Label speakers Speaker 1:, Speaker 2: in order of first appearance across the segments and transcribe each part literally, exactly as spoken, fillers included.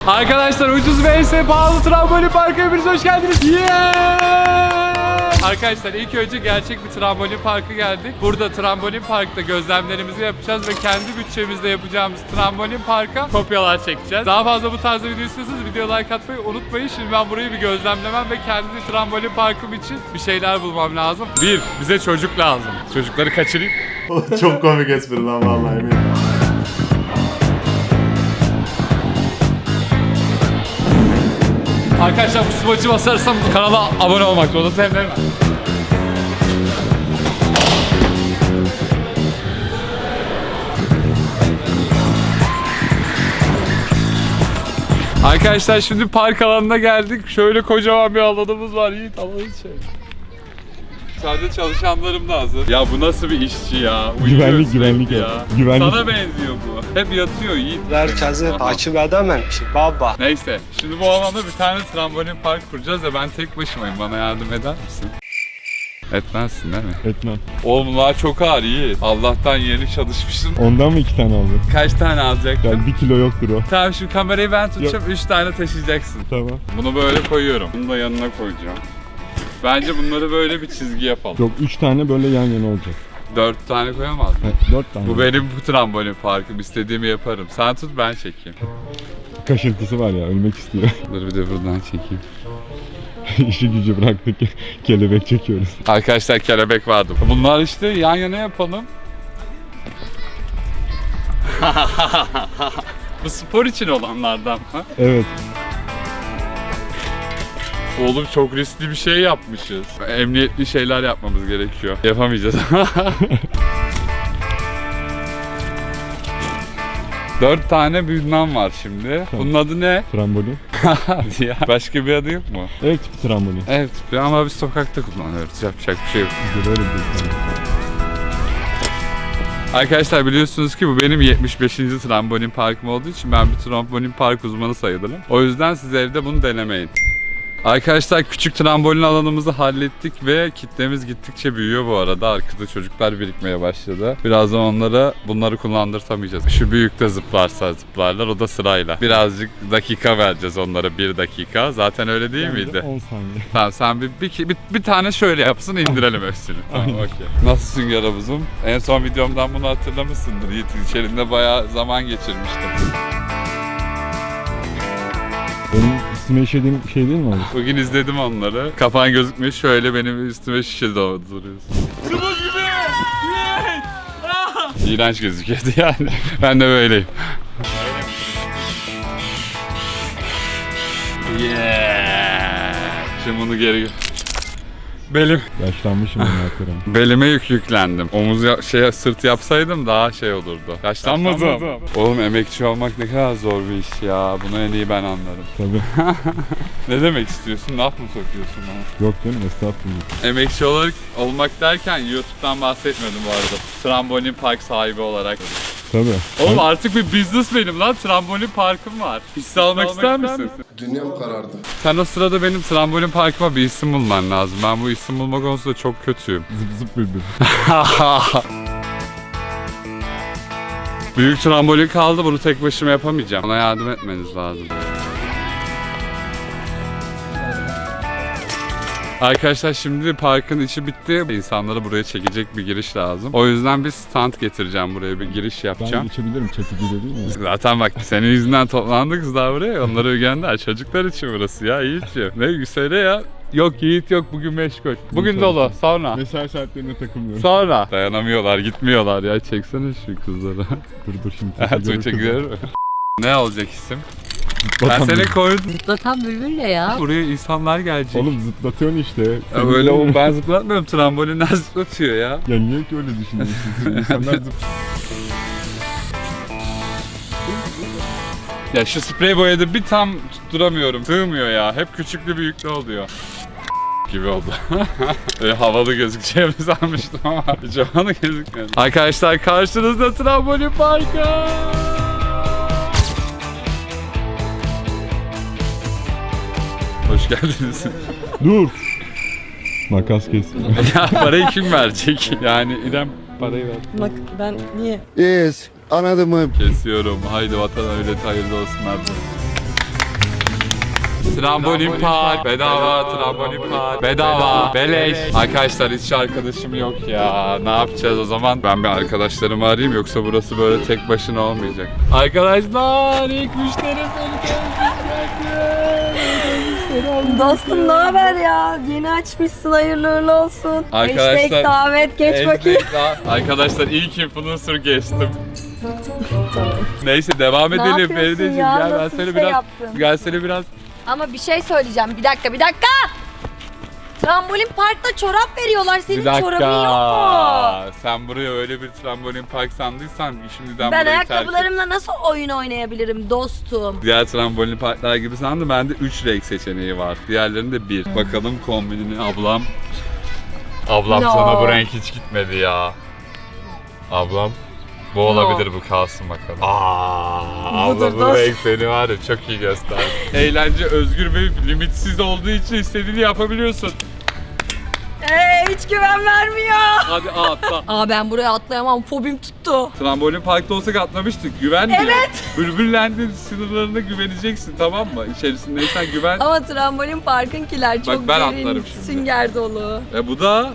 Speaker 1: Arkadaşlar ucuz ve en pahalı trambolin parkı, hepiniz hoş geldiniz. Yeah! Arkadaşlar ilk önce gerçek bir trambolin parkı geldik. Burada trambolin parkta gözlemlerimizi yapacağız ve kendi bütçemizle yapacağımız trambolin parka kopyalar çekeceğiz. Daha fazla bu tarzda video istiyorsanız video like atmayı unutmayın. Şimdi ben burayı bir gözlemlemem ve kendi trambolin parkım için bir şeyler bulmam lazım. Bir, bize çocuk lazım. Çocukları kaçırayım.
Speaker 2: Çok komik espri lan vallahi eminim.
Speaker 1: Arkadaşlar bu smacı basarsam kanala abone olmak zorunda hem de hemen. Arkadaşlar şimdi park alanına geldik. Şöyle kocaman bir alanımız var. Yiğit alanı şey. Sadece çalışanlarım da hazır. Ya bu nasıl bir işçi ya?
Speaker 2: Güvenlik güvenlik ya. Güvenlik.
Speaker 1: Sana benziyor bu. Hep yatıyor Yiğit.
Speaker 3: Herkesi takip edemem ki baba.
Speaker 1: Neyse şimdi bu alanda bir tane trambolin park kuracağız ve ben tek başımayım. Bana yardım eder misin? Etmezsin değil mi?
Speaker 2: Etmem.
Speaker 1: Oğlum bunlar çok ağır Yiğit. Allah'tan yeni çalışmışsın.
Speaker 2: Ondan mı iki tane aldın?
Speaker 1: Kaç tane alacaktım?
Speaker 2: Yani bir kilo yoktur o.
Speaker 1: Tamam şimdi kamerayı ben tutacağım. Üç tane taşıyacaksın.
Speaker 2: Tamam.
Speaker 1: Bunu böyle koyuyorum. Bunu da yanına koyacağım. Bence bunları böyle bir çizgi yapalım.
Speaker 2: Yok üç tane böyle yan yana olacak.
Speaker 1: Dört tane koyamaz mı?
Speaker 2: Ha, dört tane.
Speaker 1: Bu benim bu trambolin parkım. İstediğimi yaparım. Sen tut ben çekeyim.
Speaker 2: Kaşıntısı var ya, ölmek istiyor.
Speaker 1: Dur bir de buradan çekeyim.
Speaker 2: İşi gücü bıraktık, kelebek çekiyoruz.
Speaker 1: Arkadaşlar kelebek vardı. Bunlar işte yan yana yapalım. Bu spor için olanlardan mı?
Speaker 2: Evet.
Speaker 1: Oğlum çok riskli bir şey yapmışız. Emniyetli şeyler yapmamız gerekiyor. Yapamayacağız. Dört tane bilmem var şimdi. Bunun adı ne?
Speaker 2: Trambolin.
Speaker 1: Hadi ya. Başka bir adı yok mu?
Speaker 2: Ev tipi trambolin.
Speaker 1: Evet ama biz sokakta kullanıyoruz. Yapacak bir şey yok.
Speaker 2: Güzel öyle bir şey.
Speaker 1: Arkadaşlar biliyorsunuz ki bu benim yetmiş beşinci trambolin parkım olduğu için ben bir trambolin park uzmanı sayılırım. O yüzden siz evde bunu denemeyin. Arkadaşlar küçük trambolin alanımızı hallettik ve kitlemiz gittikçe büyüyor bu arada. Arkada çocuklar birikmeye başladı. Birazdan onlara bunları kullandırtamayacağız. Şu büyük de zıplarsa zıplarlar, o da sırayla. Birazcık dakika vereceğiz onlara, bir dakika. Zaten öyle değil
Speaker 2: Bence
Speaker 1: miydi?
Speaker 2: on saniye.
Speaker 1: Tamam sen bir, bir, bir, bir tane şöyle yapsın, indirelim hepsini. Tamam okey. Nasılsın Yaravuzum? En son videomdan bunu hatırlamışsındır. Yiğit içerisinde bayağı zaman geçirmiştim.
Speaker 2: Benim üstüme işediğim şey değil mi oğlum?
Speaker 1: Bugün izledim onları. Kafan gözükmüyor, şöyle benim üstüme şişe dolduruyorsun. Sıvı gibi! İğrenç gözüküyordu yani. Ben de böyleyim. Yeah! Şimdi bunu geri... Belim.
Speaker 2: Yaşlanmışım ben hakikaten.
Speaker 1: Belime yük yüklendim. Omuz ya- şey sırt yapsaydım daha şey olurdu. Yaşlanmadım. Yaşlanmadım. Oğlum emekçi olmak ne kadar zor bir iş ya. Bunu en iyi ben anlarım.
Speaker 2: Tabii.
Speaker 1: Ne demek istiyorsun? Laf mı sokuyorsun bana?
Speaker 2: Yok canım, estağfurullah.
Speaker 1: Emekçi olarak olmak derken YouTube'dan bahsetmedim bu arada. Trambolin park sahibi olarak.
Speaker 2: Tabii.
Speaker 1: Oğlum
Speaker 2: Ben-
Speaker 1: artık bir business benim lan. Trambolin parkım var. Hisse almak ister misin?
Speaker 4: Dünyam karardı.
Speaker 1: Sen o sırada benim trambolin parkıma bir isim bulman lazım. Ben bu isim bulma konusunda çok kötüyüm.
Speaker 2: Zıp zıp bülbül.
Speaker 1: Büyük trambolin kaldı. Bunu tek başıma yapamayacağım. Ona yardım etmeniz lazım. Arkadaşlar şimdi parkın içi bitti. İnsanları buraya çekecek bir giriş lazım. O yüzden bir stand getireceğim buraya, bir giriş
Speaker 2: Ben
Speaker 1: yapacağım.
Speaker 2: geçebilirim, çekici de değil mi?
Speaker 1: Zaten bak senin yüzünden toplandı kızlar buraya. Onları gönder. Çocuklar için burası ya Yiğit'ciğim. Ne söyle ya. Yok Yiğit yok, bugün meşgul. Bugün dolu. Sonra.
Speaker 2: Mesai saatlerine takılmıyorum.
Speaker 1: Sonra. Dayanamıyorlar, gitmiyorlar ya. Çeksene şu kızları.
Speaker 2: Dur dur şimdi.
Speaker 1: Evet,
Speaker 2: Tuğçe
Speaker 1: Tuğçe Ne olacak isim? Ben
Speaker 2: Zıplatan
Speaker 1: seni
Speaker 2: bir-
Speaker 1: koydum.
Speaker 5: Zıplatan bülbül ne ya?
Speaker 1: Buraya insanlar gelecek.
Speaker 2: Oğlum zıplatıyorsun işte.
Speaker 1: Ya
Speaker 2: Senin
Speaker 1: öyle
Speaker 2: de-
Speaker 1: oğlum, ben zıplatmıyorum. Trambolinler zıplatıyor ya.
Speaker 2: Ya niye ki öyle düşünüyorsun? İnsanlar zıp...
Speaker 1: Ya şu sprey boyada bir tam tutturamıyorum. Sığmıyor ya. Hep küçüklü büyüklü oluyor. Gibi oldu. Böyle havalı gözükeceğimi sanmıştım ama hiç havalı gözükmedi. Arkadaşlar karşınızda trambolin parkı. Hoş geldiniz.
Speaker 2: Dur! Makas kesmiyor.
Speaker 1: Ya parayı kim verecek? Yani İrem parayı ver.
Speaker 5: Bak ben niye?
Speaker 4: Yes. Anladın mı?
Speaker 1: Kesiyorum. Haydi vatan öyle hayırlı olsun abi. Trambolin park. Bedava trambolin park. Bedava. Beleş. Arkadaşlar hiç arkadaşım yok ya. Ne yapacağız o zaman? Ben bir arkadaşlarımı arayayım yoksa burası böyle tek başına olmayacak. Arkadaşlar ilk müşterim beni.
Speaker 4: Dostum ne haber ya? Yeni açmışsın, hayırlı uğurlu olsun.
Speaker 1: Arkadaşlar,
Speaker 4: Hashtag davet geç bakayım.
Speaker 1: Arkadaşlar ilk influencer geçtim. Neyse devam
Speaker 4: Ne
Speaker 1: edelim
Speaker 4: yapıyorsun
Speaker 1: Feride'ciğim.
Speaker 4: ya?
Speaker 1: Gel ben
Speaker 4: Nasıl
Speaker 1: seni
Speaker 4: bir şey
Speaker 1: biraz
Speaker 4: yaptın?
Speaker 1: gel seni biraz
Speaker 4: Ama bir şey söyleyeceğim. Bir dakika, bir dakika. Trambolin parkta çorap veriyorlar. Senin
Speaker 1: bir dakika.
Speaker 4: çorabın yok mu?
Speaker 1: Sen buraya öyle bir trambolin park sandıysan şimdiden
Speaker 4: Ben
Speaker 1: burayı terk et.
Speaker 4: ayakkabılarımla nasıl oyun oynayabilirim dostum?
Speaker 1: Diğer trambolin parklar gibi sandım. Bende üç renk seçeneği var. Diğerlerinde bir. Bakalım kombinini ablam. Ablam
Speaker 4: No.
Speaker 1: sana bu renk hiç gitmedi ya. Ablam. Bu olabilir, bu kalsın bakalım. Aa,
Speaker 4: Budur
Speaker 1: abla bu
Speaker 4: dost.
Speaker 1: renk seni var ya çok iyi gösterdi. Eğlence özgür ve limitsiz olduğu için istediğini yapabiliyorsun.
Speaker 4: Eee hiç güven vermiyor.
Speaker 1: Hadi atla.
Speaker 4: Aa ben buraya atlayamam. Fobim tuttu.
Speaker 1: Trambolin parkta olsak atlamıştık. Güven diye.
Speaker 4: Evet.
Speaker 1: Bülbüllendin sınırlarına güveneceksin, tamam mı? İçerisindeysen güven.
Speaker 4: Ama trambolin parkınkiler çok
Speaker 1: ben
Speaker 4: derin,
Speaker 1: atlarım şimdi.
Speaker 4: sünger dolu.
Speaker 1: E bu da...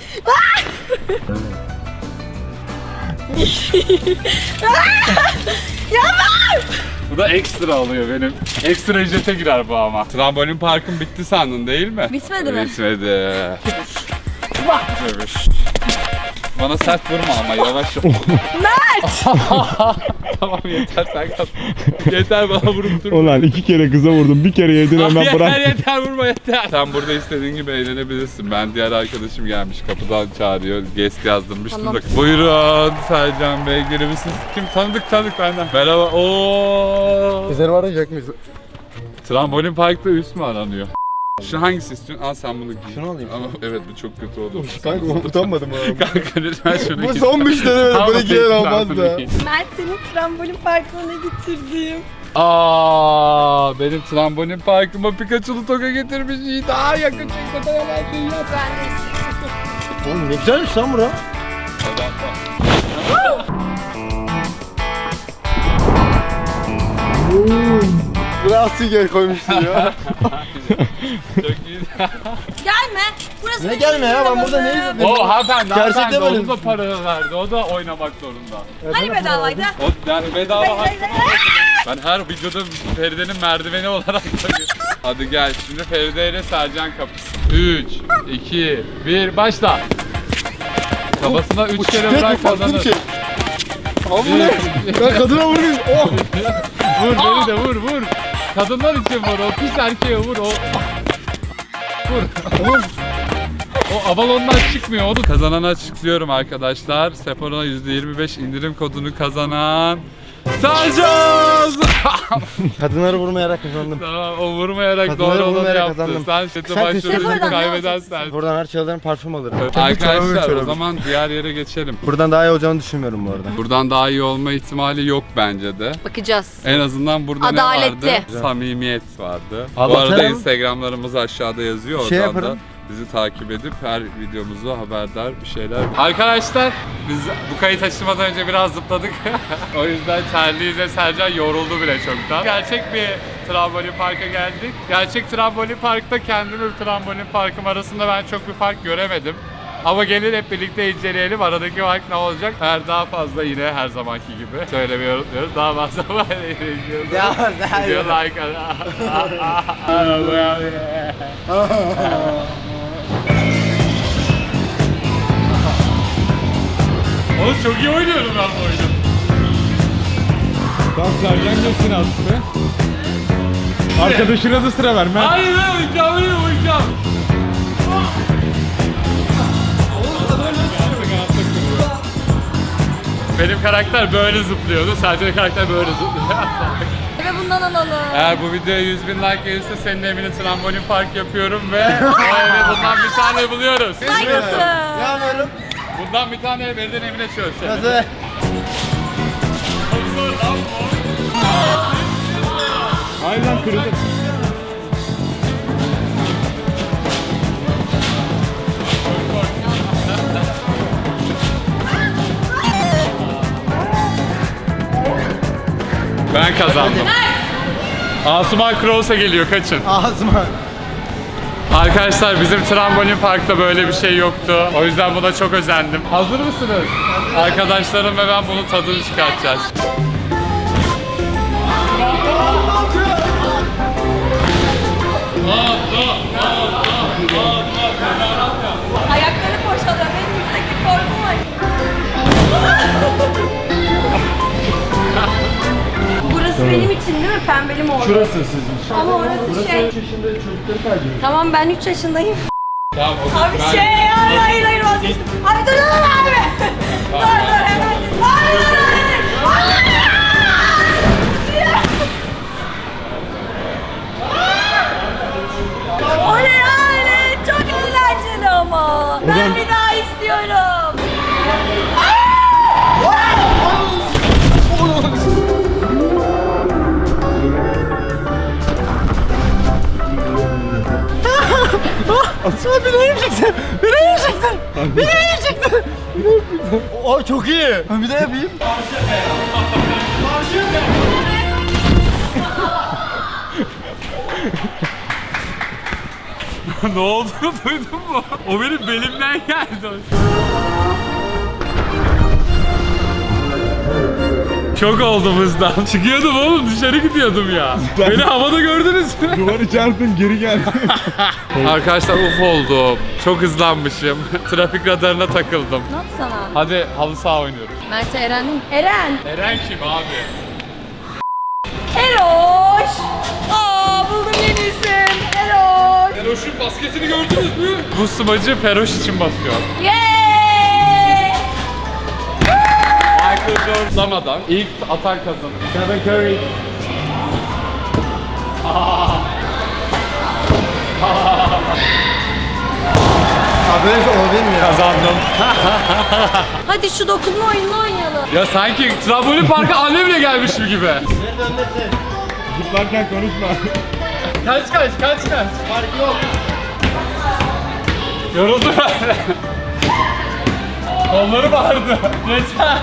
Speaker 1: Bu da ekstra oluyor benim. Ekstra ücrete girer bu ama. Trambolin parkın bitti sandın değil mi?
Speaker 4: Bitmedi mi?
Speaker 1: Bitmedi. Evet. Bana sert vurma ama yavaş ol. Mert! Tamam yeter sen kal. Yeter bana vurup durma.
Speaker 2: Ulan iki kere kıza vurdum. Bir kere yedin hemen
Speaker 1: yeter
Speaker 2: bırak.
Speaker 1: yeter vurma yeter. Sen burada istediğin gibi eğlenebilirsin. Ben diğer arkadaşım gelmiş kapıdan çağırıyor. Guest yazdırmıştım
Speaker 4: Tamam.
Speaker 1: da. Buyurun Sercan Bey gelir misiniz? Kim tanıdık tanıdık benden. Merhaba. Oo.
Speaker 5: Bizleri arayacak mıyız?
Speaker 1: Trambolin parkta üst mü aranıyor? Şu hangisi istiyorsun? Al sen bunu giy.
Speaker 5: Şunu alayım.
Speaker 1: Ama evet bu çok kötü oldu.
Speaker 5: Kanka utanmadım abi.
Speaker 1: Kanka lütfen şunu giy.
Speaker 5: Bu son müşteri
Speaker 1: Tamam,
Speaker 5: böyle
Speaker 1: peki,
Speaker 5: giyer
Speaker 1: sen
Speaker 5: olmaz
Speaker 1: bunu
Speaker 5: da.
Speaker 1: giy.
Speaker 4: Mert seni trambolin parkına getirdim.
Speaker 1: Aa, benim trambolin parkıma Pikachu'lu toka getirmiş. İyi daha yakın çekmede yalan şey yap.
Speaker 4: Ben de istedim.
Speaker 5: Oğlum ne güzelmiş lan bura. Biraz sünger koymuşsun ya.
Speaker 1: Çok iyi.
Speaker 4: Gelme. Burası
Speaker 5: Ne
Speaker 4: benim
Speaker 5: gelme ya, ben
Speaker 4: alanım.
Speaker 5: burada ne izledim?
Speaker 1: O hanımefendi,
Speaker 5: Gerçekten
Speaker 1: hanımefendi
Speaker 5: böyle
Speaker 1: onun da
Speaker 5: mi?
Speaker 1: para verdi. O da oynamak zorunda.
Speaker 4: Hani bedavaydı?
Speaker 1: O yani bedava
Speaker 4: Hayır, hayır,
Speaker 1: hakkı.
Speaker 4: hayır.
Speaker 1: Ben her videoda Feride'nin merdiveni olarak görüyorum. Hadi gel şimdi Feride ile Sercan kapısı. üç, iki, bir başla. Kafasına üç kere
Speaker 5: Tek bir
Speaker 1: bırak
Speaker 5: farklı bir
Speaker 1: kazanır.
Speaker 5: şey. Abi bu ne? Ben kadına vurayım. Oh.
Speaker 1: Vur beni de vur vur. Kadınlar için vur, o pis erkeğe vur o. Vur.
Speaker 5: Oğlum.
Speaker 1: O avalondan çıkmıyor onu. Kazananı açıklıyorum arkadaşlar. Sephora yüzde yirmi beş indirim kodunu kazanan Sercan!
Speaker 5: Kadınları vurmayarak kazandım.
Speaker 1: Tamam o vurmayarak
Speaker 5: Kadınları
Speaker 1: doğru olanı
Speaker 5: vurmayarak
Speaker 1: yaptı.
Speaker 5: kazandım.
Speaker 1: Sen şete
Speaker 5: Sen
Speaker 1: başvuruyorsun
Speaker 4: Sephoradan ne
Speaker 1: kaybeden
Speaker 4: alacaksın?
Speaker 1: sensin.
Speaker 5: Buradan her şeylerden parfüm alırım.
Speaker 1: Evet,
Speaker 5: Kendi çorabımı
Speaker 1: arkadaşlar o
Speaker 5: çorabım.
Speaker 1: zaman diğer yere geçelim.
Speaker 5: Buradan daha iyi olacağını düşünmüyorum bu arada.
Speaker 1: Buradan daha iyi olma ihtimali yok bence de.
Speaker 4: Bakacağız.
Speaker 1: En azından burada
Speaker 4: Adaletli.
Speaker 1: ne vardı? Samimiyet vardı. Bu
Speaker 5: Abi
Speaker 1: arada
Speaker 5: bakalım.
Speaker 1: Instagramlarımız aşağıda yazıyor.
Speaker 5: Şey
Speaker 1: Oradan da
Speaker 5: yaparım.
Speaker 1: bizi takip edip her videomuzu haberdar bir şeyler. Arkadaşlar biz bu kayıt açılmadan önce biraz zıpladık. O yüzden Charlie ile Sercan yoruldu bile çoktan. Gerçek bir trambolin parka geldik. Gerçek trambolin parkta kendim ve trambolin parkım arasında ben çok bir fark göremedim. Ama gelin hep birlikte inceleyelim. Aradaki fark ne olacak? Her daha fazla yine her zamanki gibi söylemeyi unutmuyoruz. Daha fazla var.
Speaker 5: Devam, devam.
Speaker 1: Video like. Oğlum çok iyi oynuyorum ben bu oyunu.
Speaker 2: Tamam Sercan geçsin artık be. Arkadaşına da sıra ver Mert.
Speaker 1: Hayır ben oynayacağım, öyle oynayacağım. Benim karakter böyle zıplıyordu, sadece karakter böyle zıplıyor.
Speaker 4: Ve bundan alalım.
Speaker 1: Eğer bu videoya yüz bin like gelirse senin evine trambolin park yapıyorum ve o eve bundan bir tane buluyoruz.
Speaker 4: Saygısı.
Speaker 5: Ne yapıyorum?
Speaker 1: Bundan bir tane ev evden evine çözsene.
Speaker 5: Nasıl?
Speaker 2: Aynen kırıldı.
Speaker 1: Ben kazandım. Asuman Krausa geliyor, kaçın.
Speaker 5: Ağzıma.
Speaker 1: Arkadaşlar bizim trambolin parkta böyle bir şey yoktu. O yüzden buna çok özendim. Hazır mısınız? Arkadaşlarım ve ben bunun tadını çıkartacağız.
Speaker 4: Ayakları boşalıyor. Benim yükseklik korkum var. Burası benim için değil mi? Pembeli mi oldu?
Speaker 2: Şurası sizmiş.
Speaker 4: Ama orası şey.
Speaker 2: yaşında çocukları kaydediyor.
Speaker 4: Tamam ben üç yaşındayım.
Speaker 1: Tamam, o
Speaker 4: Abi
Speaker 1: ben-
Speaker 4: şey hayır hayır hayır vazgeçtim. Abi dur dur dur abi. Dur dur hemen. Abi dur dur. Hayır. O ne yani? Çok eğlenceli ama. Ben bir daha istiyorum.
Speaker 5: Beni yiyeceksin. Beni yiyeceksin. Beni yiyeceksin. O çok iyi. Ben bir daha yapayım.
Speaker 1: Ne olduğunu duydun mu? O benim belimden geldi. Çok oldum hızdan. Çıkıyordum oğlum, dışarı gidiyordum ya. Beni havada gördünüz mü?
Speaker 2: Duvarı çarptın geri gel.
Speaker 1: Arkadaşlar uf oldum. Çok hızlanmışım. Trafik radarına takıldım.
Speaker 4: Ne yaptı sana?
Speaker 1: Hadi halı saha oynuyoruz.
Speaker 4: Mert'e Eren değil mi? Eren.
Speaker 1: Eren kim abi?
Speaker 4: Eroş. Aa buldum yeni isim. Eroş.
Speaker 1: Feroş'un basketini gördünüz mü? Bu smacı Feroş için basıyor.
Speaker 4: Yeeey.
Speaker 1: Michael Jordan'lamadan ilk atan kazanır.
Speaker 2: Stephen Curry.
Speaker 5: Abi böyle bir şey olabilir mi ya?
Speaker 1: Kazandım.
Speaker 4: Hadi şu dokunma oyununu oynayalım.
Speaker 1: Ya sanki trambolin parka annemle gelmişim gibi.
Speaker 2: Zıplarken konuşma.
Speaker 1: Kaç kaç kaç kaç.
Speaker 5: Fark yok.
Speaker 1: Yoruldu ben. Kolları bağırdı. Yeter.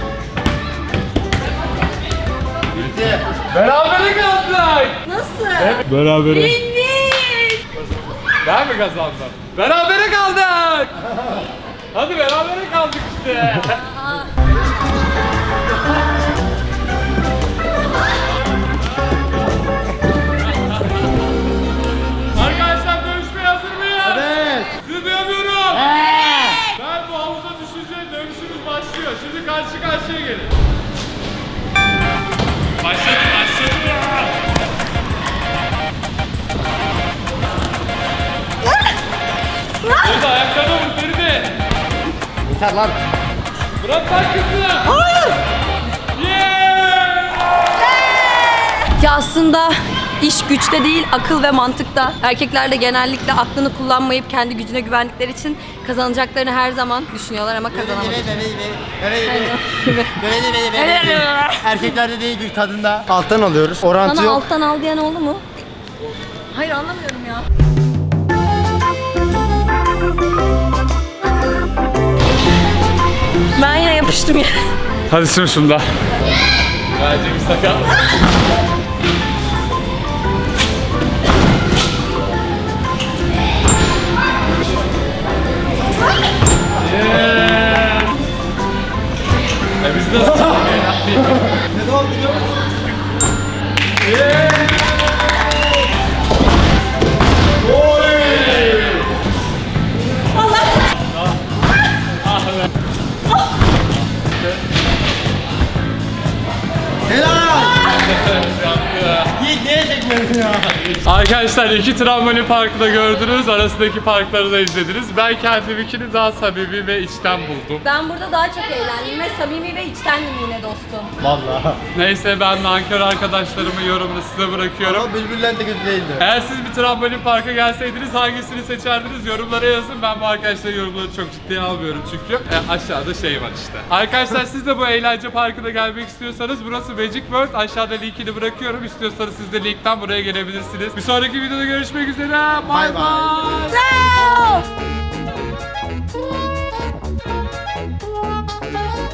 Speaker 5: Bitti.
Speaker 1: Berabere kaldık.
Speaker 4: Nasıl?
Speaker 2: Berabere.
Speaker 4: Win win.
Speaker 1: Ben mi kazandım? Berabere kaldık. Hadi berabere kaldık işte. Arkadaşlar dövüşmeye hazır mıyız?
Speaker 5: Evet.
Speaker 1: Sizi duyamıyorum. Ben bu havuza düşünce dövüşümüz başlıyor. Şimdi karşı karşıya gelin. Başladı başladı. Feride ayaklarına vur Feride.
Speaker 5: Yeter lan.
Speaker 1: Bırak lan kızı. Hayır. Yeah.
Speaker 4: Ya aslında iş güçte değil, akıl ve mantıkta. Erkekler de genellikle aklını kullanmayıp kendi gücüne güvendikleri için kazanacaklarını her zaman düşünüyorlar ama kazanamadılar.
Speaker 5: Erkeklerde değil güç tadında. Alttan alıyoruz. Orantı
Speaker 4: Sana
Speaker 5: yok.
Speaker 4: alttan al diyen oldu mu? Hayır anlamıyorum ya. Ben yine yapıştım ya.
Speaker 1: Hadi şimdi şunda. Bence bir sakat. Yeah. E biz nasıl
Speaker 5: Ne oldu biliyor musun? Helal! Yiğit neye çekmiyorsun ya?
Speaker 1: Arkadaşlar iki trambolin parkı da gördünüz. Arasındaki parkları da izlediniz. Ben kendiminkini daha samimi ve içten buldum.
Speaker 4: Ben burada daha çok eğlendim ve samimi ve içtendim yine dostum.
Speaker 5: Vallahi.
Speaker 1: Neyse ben nankör arkadaşlarımı yorumunu size bırakıyorum.
Speaker 5: Ama bülbüllen de kötü değildi.
Speaker 1: Eğer siz bir trambolin parka gelseydiniz hangisini seçerdiniz yorumlara yazın. Ben bu arkadaşların yorumları çok ciddiye almıyorum çünkü. E, aşağıda şey var işte. Arkadaşlar siz de bu eğlence parkına gelmek istiyorsanız burası Magic World. Aşağıda linkini bırakıyorum. İstiyorsanız siz de linkten buraya gelebilirsiniz. Bir sonraki videoda görüşmek üzere. Bye
Speaker 5: Bye bye.
Speaker 1: bye.
Speaker 4: Ciao!